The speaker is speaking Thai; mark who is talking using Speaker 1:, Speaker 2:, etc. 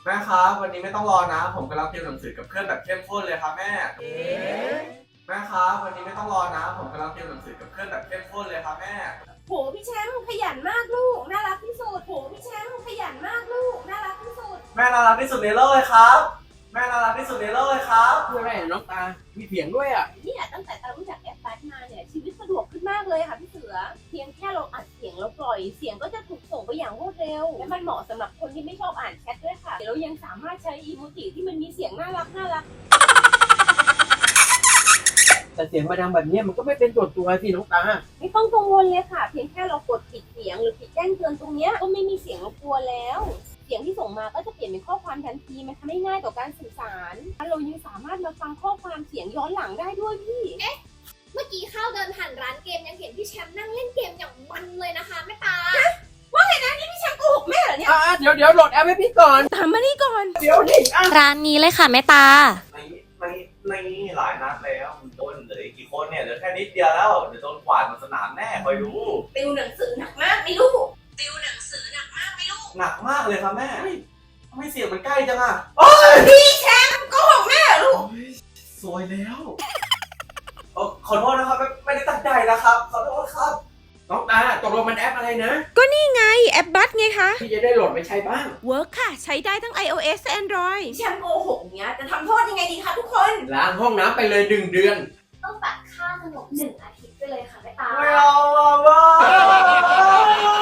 Speaker 1: แม่ครับวันนี้ไม่ต้องรอนะผมกำลังติวหนังสือกับเพื่อนแบบเข้มข้นเลยครับแม่แม่ครับวันนี้ไม่ต้องรอนะผมกำลังติวหนังสือกับเพื่อนแบบเข้มข้นเลยครับแม่
Speaker 2: โหพี่แชมป์ขยันมากลูกน่ารักที่สุดโหพี่แชมป์ขยันมากลูกน่ารักที่สุด
Speaker 1: แม่น่ารักที่สุดในโลกเลยครับแม่น่ารักที่สุดในโลกเลยครับ
Speaker 3: คืออะไรอะน้องตา มีเสียงด้วยอ่ะ
Speaker 2: เนี่ยตั้งแต่ตารู้จักแอปบัสมาเนี่ยชีวิตสะดวกขึ้นมากเลยค่ะพี่เสือเพียงแค่เราอัดเสียงแล้วปล่อยเสียงก็จะถูกส่งไปอย่างรวดเร็วและมันเหมาะสำหรับคนที่ไม่ชอบอ่านแชทด้วยค่ะเรายังสามารถใช้อีโมจิที่มันมีเสียงน่ารัก
Speaker 3: แต่เสียงมาดังแบบเนี้ยมันก็ไม่เป็นตัวสิน้องตา
Speaker 2: ไม่ต้องกังวลเลยค่ะเพียงแค่เรากดปิดเสียงหรือปิดแจ้งเตือนตรงเนี้ยก็ไม่มีเสียงรบกวนแล้ว เสียงที่ส่งมาก็จะเปลี่ยนเป็นข้อความทันทีมันทำให้ง่ายต่อการสื่อสารเรายังสามารถมาฟังข้อความเสียงย้อนหลังได้ด้วยพี่
Speaker 4: เมื่อกี้ข้าวเดินผ่านร้านเกมยังเห็นพี่แชมป์นั่งเล่นเกมอย่างมันเลยนะคะแม่ตา
Speaker 2: โกหกแม่เหรอเนี่ย
Speaker 3: เดี๋ยวโหลดแอปให้พี่ก่อน
Speaker 2: ตามมานี่ก่อน
Speaker 3: เดี๋ยวนี่
Speaker 5: ร้านนี้เลยค่ะแม่ตา
Speaker 1: ในหลายนัดแล้วโดนเหลืออีกกี่คนเนี่ยเหลือแค่นิดเดียวแล้วเดี๋ยวโดนกวาดมาสนามแน่คอยดู
Speaker 2: ติวหนังสือหนักมากไหมลูก
Speaker 1: หนักมากเลยครับแม่ไม่เสียงมันใกล้จังอ่ะ
Speaker 2: พี่แชมป์โกหกแม่เหรอลูก
Speaker 1: สวยแล้วขอโทษนะครับไม่ได้ตั้งใจนะครับขอโทษครับ
Speaker 3: น้องตาตกลงมันแอปอะไรนะ
Speaker 6: ไงแอปบัสไงคะ
Speaker 3: พี่จะได้โหลดไปใช้บ้าง
Speaker 6: เวิร์กค่ะ ใช้ได้ทั้ง iOS และ Android
Speaker 2: พี่แชมป์โกหกเนี้ยจะทำโทษยังไงดีคะทุกคน
Speaker 3: ล้างห้องน้ำไปเลย1 เดือน
Speaker 4: ต้องตัดค่าขนม1 อาทิตย์ไปเลยค่ะแม่ตา
Speaker 1: ไม่เอาอ่ะบ้า